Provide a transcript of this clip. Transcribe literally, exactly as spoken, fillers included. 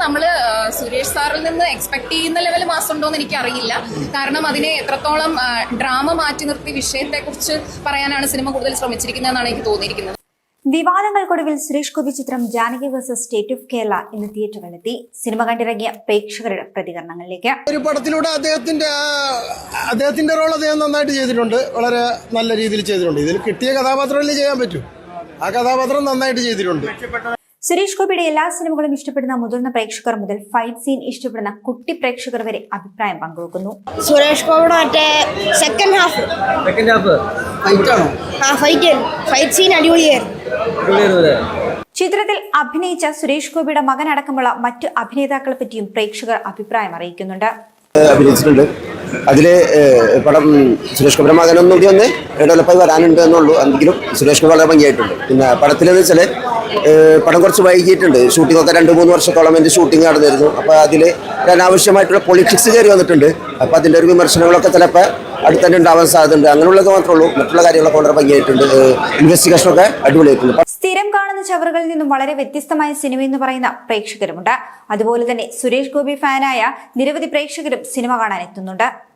നമ്മൾ സുരേഷ് സാറിൽ നിന്ന് എക്സ്പെക്ട് ചെയ്യുന്ന ലെവൽ മാസം ഉണ്ടോ എന്ന് എനിക്കറിയില്ല. കാരണം അതിനെ എത്രത്തോളം ഡ്രാമ മാറ്റി നിർത്തി വിഷയത്തെക്കുറിച്ച് പറയാനാണ് സിനിമ കൂടുതൽ ശ്രമിച്ചിരിക്കുന്നതെന്നാണ് എനിക്ക് തോന്നിയിരിക്കുന്നത്. വിവാദങ്ങൾക്കൊടുവിൽ സുരേഷ് ഗോപി ചിത്രം Janaki versus state of Kerala ഇന്ന് തിയേറ്ററുകളിലെത്തി. സിനിമ കണ്ടിറങ്ങിയ പ്രേക്ഷകരുടെ പ്രതികരണങ്ങളിലേക്ക്. ഒരു പടത്തിലൂടെ അദ്ദേഹത്തിന്റെ അദ്ദേഹത്തിന്റെ റോൾ അദ്ദേഹം നന്നായിട്ട് ചെയ്തിട്ടുണ്ട്, വളരെ നല്ല രീതിയിൽ ചെയ്തിട്ടുണ്ട്. ഇതിൽ കിട്ടിയ കഥാപാത്രമല്ലേ ചെയ്യാൻ പറ്റൂ, ആ കഥാപാത്രം നന്നായിട്ട് ചെയ്തിട്ടുണ്ട്. സുരേഷ് ഗോപിയുടെ എല്ലാ സിനിമകളും ഇഷ്ടപ്പെടുന്ന മുതിർന്ന പ്രേക്ഷകർ മുതൽ ഫൈറ്റ് സീൻ ഇഷ്ടപ്പെടുന്ന കുട്ടി പ്രേക്ഷകർ വരെ അഭിപ്രായം പങ്കുവെക്കുന്നു. സുരേഷ് ഗോപിയുടെ മറ്റേ second half second half fight ആണോ? ആ ഫൈറ്റ് ഫൈറ്റ് സീൻ അടിപൊളിയായിരുന്നു. ചിത്രത്തിൽ അഭിനയിച്ച സുരേഷ് ഗോപിയുടെ മകനടക്കമുള്ള മറ്റു അഭിനേതാക്കളെ പറ്റിയും പ്രേക്ഷകർ അഭിപ്രായം അറിയിക്കുന്നുണ്ട്. അഭിനയിച്ചിട്ടുണ്ട്. അതില് പടം സുരേഷ് ഗോപിയുടെ മകനൊന്നും കൂടി ഒന്ന് ഡെവലപ്പായി വരാനുണ്ട് എന്നുള്ളൂ. എങ്കിലും സുരേഷ് ഗോപി വളരെ ഭംഗിയായിട്ടുണ്ട്. പിന്നെ പടത്തിലെന്ന് വെച്ചാൽ പടം കുറച്ച് വൈകിയിട്ടുണ്ട്. ഷൂട്ടിംഗ് ഒക്കെ രണ്ട് മൂന്ന് വർഷത്തോളം എൻ്റെ ഷൂട്ടിംഗ് നടന്നിരുന്നു. അപ്പോൾ അതിൽ അനാവശ്യമായിട്ടുള്ള പൊളിറ്റിക്സ് കയറി വന്നിട്ടുണ്ട്. അപ്പോൾ അതിൻ്റെ ഒരു വിമർശനങ്ങളൊക്കെ ചിലപ്പോൾ അടുത്ത് തന്നെ ഉണ്ടാവാൻ സാധ്യതയുണ്ട്. അങ്ങനെയുള്ളത് മാത്രമേ ഉള്ളൂ. മറ്റുള്ള കാര്യങ്ങളൊക്കെ വളരെ ഭംഗിയായിട്ടുണ്ട്. ഇൻവെസ്റ്റിഗേഷനൊക്കെ അടിപൊളിയായിട്ടുണ്ട്. സ്ഥിരം കാണുന്ന ചവറുകളിൽ നിന്നും വളരെ വ്യത്യസ്തമായ സിനിമ എന്ന് പറയുന്ന പ്രേക്ഷകരുമുണ്ട്. അതുപോലെ തന്നെ സുരേഷ് ഗോപി ഫാനായ നിരവധി പ്രേക്ഷകരും സിനിമ കാണാൻ എത്തുന്നുണ്ട്.